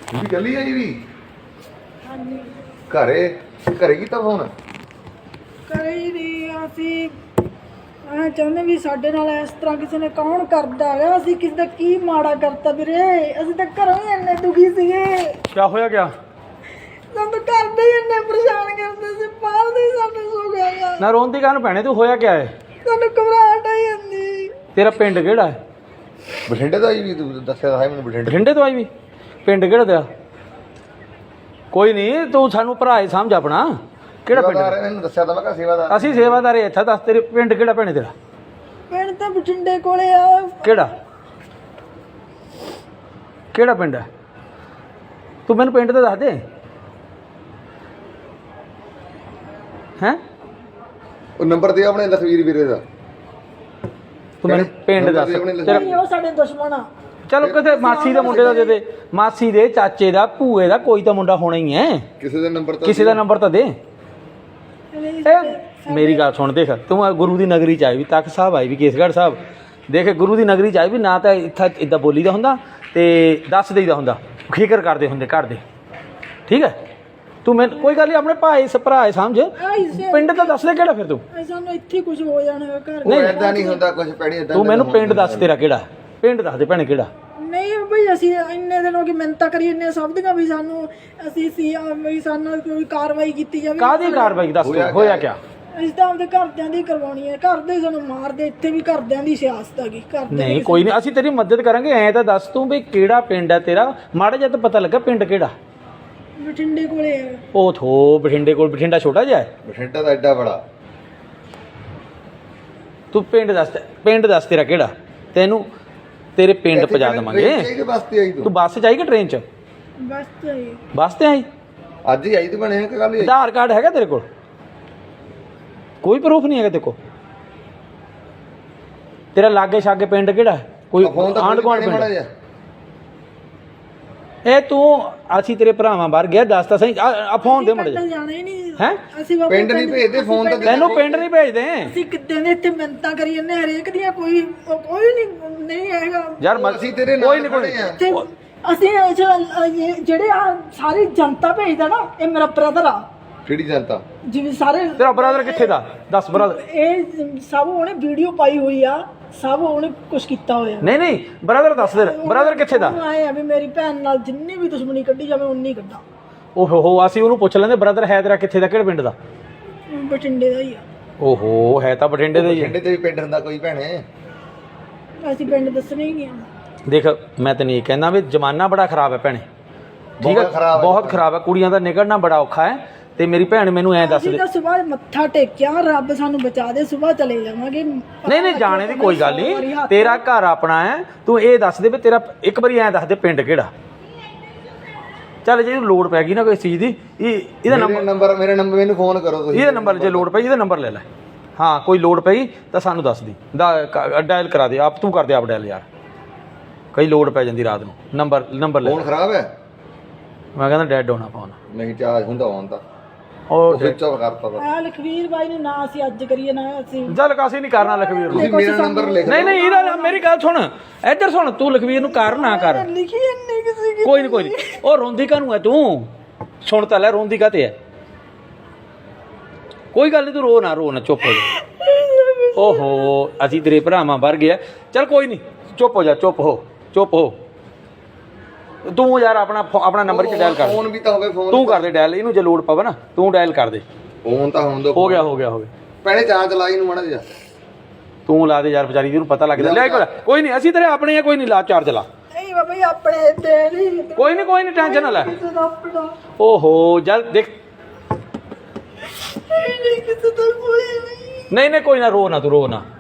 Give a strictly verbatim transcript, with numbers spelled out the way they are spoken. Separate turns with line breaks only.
ਵੀ ਚੱਲੀ ਆਈ ਵੀ
ਹਾਂਜੀ
ਘਰੇ ਘਰੇ ਕੀਤਾ ਫੋਨ
ਕਰੇ ਹੀ ਨਹੀਂ ਅਸੀਂ ਆ ਚਾਹੁੰਦੇ ਵੀ ਸਾਡੇ ਨਾਲ ਇਸ ਤਰ੍ਹਾਂ ਕਿਸੇ ਨੇ ਕੌਣ ਕਰਦਾ ਰਿਹਾ ਅਸੀਂ ਕਿਸੇ ਦਾ ਕੀ ਮਾੜਾ ਕਰਤਾ ਵੀਰੇ ਅਸੀਂ ਤਾਂ ਘਰੋਂ ਹੀ ਇੰਨੇ ਦੁਖੀ ਸੀਗੇ
ਕੀ ਹੋਇਆ ਗਿਆ
ਸਾਨੂੰ ਤਾਂ ਘਰ ਦੇ ਹੀ ਇੰਨੇ ਪਰੇਸ਼ਾਨ ਕਰਦੇ ਸੀ ਬਾਹਰ ਦੇ ਹੀ ਸਾਨੂੰ ਸੋ ਗਿਆ
ਨਾ ਰੋਣ ਦੀ ਗੱਲ ਭੈਣੇ ਤੂੰ ਹੋਇਆ ਕਿਆ ਹੈ
ਸਾਨੂੰ ਘਬਰਾਹਟ ਆਈ ਜਾਂਦੀ
ਤੇਰਾ ਪਿੰਡ ਕਿਹੜਾ ਹੈ
ਬਠਿੰਡੇ ਦਾ ਆਈ ਵੀ ਤੂੰ ਦੱਸਿਆ ਤਾਂ ਹੈ ਮੈਨੂੰ ਬਠਿੰਡੇ
ਬਠਿੰਡੇ ਤੋਂ ਆਈ ਵੀ ਪਿੰਡ ਕਿਹੜਾ ਤੇਰਾ ਕੋਈ ਨਹੀਂ ਤੂੰ ਸਾਨੂੰ ਭਰਾ ਹੀ ਸਮਝ ਆਪਣਾ ਕਿਹੜਾ ਪਿੰਡ
ਸੇਵਾਦਾਰ ਇਹਨੂੰ ਦੱਸਿਆ ਤਾਂ ਮੈਂ ਕਿਹਾ ਸੇਵਾਦਾਰ
ਅਸੀਂ ਸੇਵਾਦਾਰ ਇੱਥੇ ਦੱਸ ਤੇਰੇ ਪਿੰਡ ਕਿਹੜਾ ਭੈਣੇ ਤੇਰਾ
ਪਿੰਡ ਤਾਂ ਬਠਿੰਡੇ ਕੋਲੇ ਆ
ਕਿਹੜਾ ਕਿਹੜਾ ਪਿੰਡ ਹੈ ਤੂੰ ਮੈਨੂੰ ਪਿੰਡ ਦਾ ਦੱਸ ਦੇ ਹੈਂ
ਉਹ ਨੰਬਰ ਦੇ ਆਪਣੇ ਲਖਵੀਰ ਵੀਰੇ ਦਾ
ਤੂੰ ਮੈਨੂੰ ਪਿੰਡ ਦੱਸ ਤੇਰਾ
ਨਹੀਂ ਉਹ ਸਾਡੇ ਦੁਸ਼ਮਣ ਆ
ਚਲੋ ਕਿਤੇ ਮਾਸੀ ਦੇ ਮੁੰਡੇ ਦਾ ਦੇ ਦੇ ਮਾਸੀ ਦੇ ਚਾਚੇ ਦਾ ਭੂਏ ਦਾ ਕੋਈ ਤਾਂ ਮੁੰਡਾ ਹੋਣਾ ਹੀ ਹੈ
ਕਿਸੇ ਦਾ ਨੰਬਰ ਤਾਂ
ਕਿਸੇ ਦਾ ਨੰਬਰ ਤਾਂ ਦੇ ਇਹ ਮੇਰੀ ਗੱਲ ਸੁਣ ਦੇਖ ਤੂੰ ਆ ਗੁਰੂ ਦੀ ਨਗਰੀ ਚ ਆਈ ਵੀ ਤਖਤ ਸਾਹਿਬ ਆਈ ਵੀ ਕੇਸਗੜ੍ਹ ਸਾਹਿਬ ਦੇਖ ਗੁਰੂ ਦੀ ਨਗਰੀ ਚ ਆਈ ਵੀ ਨਾ ਤਾਂ ਇੱਥੇ ਇਦਾਂ ਬੋਲੀ ਦਾ ਹੁੰਦਾ ਤੇ ਦੱਸ ਦੇਈਦਾ ਹੁੰਦਾ ਫਿਕਰ ਕਰਦੇ ਹੁੰਦੇ ਘਰ ਦੇ ਠੀਕ ਹੈ ਤੂੰ ਮੈਨੂੰ ਕੋਈ ਗੱਲ ਨਹੀਂ ਆਪਣੇ ਭਾਈ ਭਰਾ ਸਮਝ ਪਿੰਡ ਤਾਂ ਦੱਸ ਦੇ ਕਿਹੜਾ ਫਿਰ ਤੂੰ
ਸਾਨੂੰ ਇੱਥੇ ਕੁਝ ਹੋ ਜਾਣਾ ਘਰ
ਨਹੀਂ ਏਦਾਂ ਨਹੀਂ ਹੁੰਦਾ ਕੁਝ ਪੈਣੀ ਏਦਾਂ
ਤੂੰ ਮੈਨੂੰ ਪਿੰਡ ਦੱਸ ਤੇਰਾ ਕਿਹੜਾ ਪਿੰਡ ਦੱਸ ਦੇ ਭੈਣੇ ਕਿਹੜਾ
ਨਹੀਂ ਬਈ ਅਸੀਂ ਇੰਨੇ ਦਿਨ ਹੋ ਗਏ ਮਿਹਨਤਾਂ ਕਰੀ ਇੰਨੇ ਸਭ ਦੀਆਂ ਵੀ ਸਾਨੂੰ ਅਸੀਂ ਸੀ ਵੀ ਸਾਨੂੰ ਕੋਈ ਕਾਰਵਾਈ ਕੀਤੀ ਜਾਵੇ
ਕਾਹਦੀ ਕਾਰਵਾਈ ਦੱਸ ਤੂੰ ਹੋਇਆ ਕਿਆ
ਅਸੀਂ ਤਾਂ ਆਪਦੇ ਘਰਦਿਆਂ ਦੀ ਕਰਵਾਉਣੀ ਹੈ ਘਰ ਦੇ ਸਾਨੂੰ ਮਾਰਦੇ ਇੱਥੇ ਵੀ ਘਰਦਿਆਂ ਦੀ ਸਿਆਸਤ ਹੈਗੀ ਘਰ
ਨਹੀਂ ਕੋਈ ਨਹੀਂ ਅਸੀਂ ਤੇਰੀ ਮਦਦ ਕਰਾਂਗੇ ਐਂ ਤਾਂ ਦੱਸ ਤੂੰ ਵੀ ਕਿਹੜਾ ਪਿੰਡ ਹੈ ਤੇਰਾ ਮਾੜਾ ਜਿਹਾ ਤਾਂ ਪਤਾ ਲੱਗਾ ਪਿੰਡ ਕਿਹੜਾ
ਬਠਿੰਡੇ ਕੋਲੇ ਹੈ
ਉਹ ਥੋ ਬਠਿੰਡੇ ਕੋਲ ਬਠਿੰਡਾ ਛੋਟਾ ਜਿਹਾ ਹੈ
ਬਠਿੰਡਾ ਦਾ ਐਡਾ ਬੜਾ
ਤੂੰ ਪਿੰਡ ਦੱਸ ਪਿੰਡ ਦੱਸ ਤੇਰਾ ਕਿਹੜਾ ਤੈਨੂੰ ਤੇਰੇ ਪਿੰਡ ਪਹੁੰਚਾ ਦੇਵਾਂਗੇ
ਕਿਹਦੇ ਵਾਸਤੇ ਆਈ
ਤੂੰ
ਤੂੰ
ਬੱਸ 'ਚ ਆਈ ਕਿ ਟ੍ਰੇਨ 'ਚ
ਬਸ ਤੇ
ਬੱਸ ਤੇ ਆਈ
ਅੱਜ ਹੀ ਆਈ ਤੂੰ ਬਣੇ ਕਿ ਕੱਲ ਹੀ ਆਈ
ਆਧਾਰ ਕਾਰਡ ਹੈਗਾ ਤੇਰੇ ਕੋਲ ਕੋਈ ਪ੍ਰੂਫ ਨਹੀਂ ਹੈਗਾ ਤੇਰੇ ਕੋਲ ਤੇਰਾ ਲਾਗੇ ਛਾਗੇ ਪਿੰਡ ਕਿਹੜਾ ਕੋਈ
ਫੋਨ ਤਾਂ
ਆਂਢ ਗੁਆਂਢ
ਮਾੜਾ
ਪਿੰਡ
ਜਿਹਾ
ਇਹ ਤੂੰ ਅਸੀਂ ਤੇਰੇ ਭਰਾਵਾਂ ਬਾਹਰ ਗਿਆ ਦੱਸ ਤਾਂ ਸਹੀ ਆ ਫੋਨ ਦੇ ਮੁੰਡੇ
ਜਾਣਾ ਹੀ ਨਹੀਂ
ਹੈ
ਅਸੀਂ ਬਾਬਾ
ਪਿੰਡ ਨਹੀਂ ਭੇਜਦੇ ਫੋਨ ਤਾਂ
ਤੈਨੂੰ ਪਿੰਡ ਨਹੀਂ ਭੇਜਦੇ
ਅਸੀਂ ਕਿੱਦਾਂ ਦੇ ਇੱਥੇ ਮਿਹਨਤਾਂ ਕਰੀ ਜਾਂਦੇ ਹਰੇਕ ਦੀਆਂ ਕੋਈ ਕੋਈ ਨਹੀਂ ਨਹੀਂ ਹੈਗਾ
ਯਾਰ ਮ-
ਅਸੀਂ ਤੇਰੇ
ਕੋਈ
ਨਾਲ
ਨਹੀਂ ਕੋਈ
ਖੜੇ ਆ
ਤੇ ਅਸੀਂ ਇਹ ਜੋ- ਇਹ ਜਿਹੜੇ ਆ ਸਾਰੀ ਜਨਤਾ ਭੇਜਦਾ ਨਾ ਇਹ ਮੇਰਾ ਬ੍ਰਦਰ ਆ
ਕਿਹੜੀ ਜਨਤਾ
ਜਿਵੇਂ ਸਾਰੇ
ਤੇਰਾ ਬ੍ਰਦਰ ਕਿੱਥੇ ਦਾ ਦੱਸ ਬ੍ਰਦਰ
ਇਹ ਸਭ ਉਹਨੇ ਵੀਡੀਓ ਪਾਈ ਹੋਈ ਆ ਸਭ ਉਹਨੇ ਕੁਝ ਕੀਤਾ ਹੋਇਆ
ਨਹੀਂ ਨਹੀਂ ਬ੍ਰਦਰ ਦੱਸ ਦੇ ਬ੍ਰਦਰ ਕਿੱਥੇ ਦਾ
ਉਹਨੂੰ ਆਏ ਆ ਵੀ ਮੇਰੀ ਭੈਣ ਨਾਲ ਜਿੰਨੀ ਵੀ ਦੁਸ਼ਮਣੀ ਕੱਢੀ ਜਾਵੇ ਉਨੀ ਕੱਢਾਂ
ਓਹੋ ਹੋ ਅਸੀਂ ਉਹਨੂੰ ਪੁੱਛ ਲੈਂਦੇ ਬ੍ਰਦਰ ਹੈ ਤੇਰਾ ਕਿੱਥੇ ਦਾ ਕਿਹੜੇ ਪਿੰਡ ਦਾ
ਬਠਿੰਡੇ ਦਾ ਹੀ ਆ
ਓਹੋ ਹੈ ਤਾਂ ਬਠਿੰਡੇ ਦਾ ਹੀ ਹੈ
ਬਠਿੰਡੇ ਤੇ ਵੀ ਪਿੰਡ ਹੁੰਦਾ ਕੋਈ ਭੈਣੇ
ਅਸੀਂ ਪਿੰਡ ਦੱਸਣੇ ਹੀ ਗਿਆ
ਦੇਖ ਮੈਂ ਤੈਨੂੰ ਇਹ ਕਹਿੰਦਾ ਵੀ ਜ਼ਮਾਨਾ ਬੜਾ ਖਰਾਬ ਹੈ ਭੈਣੇ ਠੀਕ ਹੈ
ਬਹੁਤ ਖਰਾਬ ਹੈ।
ਬਹੁਤ ਖਰਾਬ ਹੈ ਕੁੜੀਆਂ ਦਾ ਨਿਕਲਣਾ ਬੜਾ ਔਖਾ ਹੈ ਤੇ ਮੇਰੀ ਭੈਣ ਮੈਨੂੰ ਐਂ ਦੱਸ
ਅਸੀਂ
ਦੇ
ਤਾਂ ਸਵੇਰ ਮੱਥਾ ਟੇਕਿਆ ਰੱਬ ਸਾਨੂੰ ਬਚਾ ਦੇ ਸਵੇਰ ਚਲੇ ਜਾਵਾਂਗੇ
ਨਹੀਂ ਨਹੀਂ ਜਾਣੇ ਦੀ ਕੋਈ ਗੱਲ ਨਹੀਂ ਤੇਰਾ ਘਰ ਆਪਣਾ ਹੈ ਤੂੰ ਇਹ ਦੱਸ ਦੇ ਵੀ ਤੇਰਾ ਇੱਕ ਵਾਰੀ ਐਂ ਦੱਸ ਦੇ ਪਿੰਡ ਕਿਹੜਾ ਚੱਲ ਜੇ ਲੋੜ ਪੈ ਗਈ ਨਾ ਕੋਈ ਚੀਜ਼ ਦੀ ਇਹ ਇਹਦਾ
ਮੇਰੇ
ਨੰਬਰ
ਨੰਬਰ ਮੇਰੇ ਨੰਬਰ ਮੈਨੂੰ ਫੋਨ ਕਰੋ ਤੁਸੀਂ
ਇਹਦਾ ਨੰਬਰ ਜੇ ਲੋੜ ਪਈ ਇਹਦਾ ਨੰਬਰ ਲੈ ਲੈ ਹਾਂ ਕੋਈ ਲੋੜ ਪਈ ਤਾਂ ਸਾਨੂੰ ਦੱਸ ਦੀ ਡਾਇਲ ਕਰਾ ਦੇ ਆਪ ਤੂੰ ਕਰ ਦੇ ਆਪ ਡਾਇਲ ਯਾਰ ਕਈ ਲੋੜ ਪੈ ਜਾਂਦੀ ਰਾਤ ਨੂੰ ਨੰਬਰ ਨੰਬਰ ਲੈ
ਫੋਨ ਖਰਾਬ ਹੈ
ਮੈਂ ਕਹਿੰਦਾ ਡੈਡ ਹੋਣਾ ਫੋਨ
ਨਹੀਂ ਚਾਰਜ ਹੁੰਦਾ ਹੋਣ ਤਾਂ
ਉਹ
ਸਵਿਚ ਆਫ ਕਰਤਾ ਤਾ।
ਆ ਲਖਵੀਰ ਬਾਈ ਨੂੰ ਨਾ ਅਸੀਂ ਅੱਜ ਕਰੀਏ ਨਾ ਅਸੀਂ
ਚੱਲ ਕਾਸੀ ਨਹੀਂ ਕਰਨਾ ਲਖਵੀਰ ਨੂੰ
ਤੁਸੀਂ ਮੇਰਾ ਨੰਬਰ ਲਿਖ
ਨਹੀਂ ਨਹੀਂ ਇਹਦਾ ਮੇਰੀ ਗੱਲ ਸੁਣ ਇੱਧਰ ਸੁਣ ਤੂੰ ਲਖਵੀਰ ਨੂੰ ਕਰ ਨਾ ਕਰ
ਲਿਖੀ ਇੰਨੀ ਕਿਸੇ ਕੀ
ਕੋਈ ਨਹੀਂ ਕੋਈ ਨਹੀਂ ਉਹ ਰੋਂਦੀ ਕਾਹਨੂੰ ਹੈ ਤੂੰ ਸੁਣ ਤਾਂ ਲੈ ਰੋਂਦੀ ਕਾਤੇ ਹੈ ਕੋਈ ਗੱਲ ਨਹੀਂ ਤੂੰ ਰੋ ਨਾ ਰੋ ਨਾ ਚੁੱਪ ਹੋ ਜਾ ਓਹੋ ਅਸੀਂ ਤੇਰੇ ਭਰਾਵਾਂ ਵਰ ਗਿਆ ਚੱਲ ਕੋਈ ਨਹੀਂ ਚੁੱਪ ਹੋ ਜਾ ਚੁੱਪ ਹੋ ਚੁੱਪ ਹੋ ਤੂੰ ਯਾਰ ਆਪਣਾ ਫੋ- ਆਪਣਾ ਨੰਬਰ ਚ ਡਾਇਲ ਕਰ
ਫੋਨ ਵੀ ਤਾਂ ਹੋਵੇ ਫੋਨ
ਤੂੰ ਕਰ ਦੇ ਡਾਇਲ ਇਹਨੂੰ ਜੇ ਲੋੜ ਪਵੇ ਨਾ ਤੂੰ ਡਾਇਲ ਕਰ ਦੇ
ਫੋਨ ਤਾਂ ਹੋਣ ਦੋ
ਹੋ ਗਿਆ ਹੋ ਗਿਆ ਹੋ ਗਿਆ
ਪਹਿਲੇ ਚਾਰਜ ਲਾਈ ਨੂੰ ਮਾੜਾ ਜਿਹਾ
ਤੂੰ ਲਾ ਦੇ ਯਾਰ ਵਿਚਾਰੀ ਜਿਹਨੂੰ ਪਤਾ ਲੱਗਦਾ ਲੈ ਕੋਈ ਕੋਈ ਨਹੀਂ ਅਸੀਂ ਤੇਰੇ ਆਪਣੇ ਆ ਕੋਈ ਨਹੀਂ ਲਾ ਚਾਰਜ ਲਾ
ਨਹੀਂ ਬਾਬਾ ਜੀ ਆਪਣੇ ਤੇ ਨਹੀਂ
ਕੋਈ ਨਹੀਂ ਕੋਈ ਨਹੀਂ ਟੈਨਸ਼ਨ ਨਾ ਲੈ
ਕਿਸੇ ਦਾ ਆਪਣਾ
ਓਹੋ ਜਲ ਦੇਖ
ਨਹੀਂ ਕਿਸੇ ਦਾ ਕੋਈ ਨਹੀਂ
ਨਹੀਂ ਨਹੀਂ ਕੋਈ ਨਾ ਰੋ ਨਾ ਤੂੰ ਰੋ ਨਾ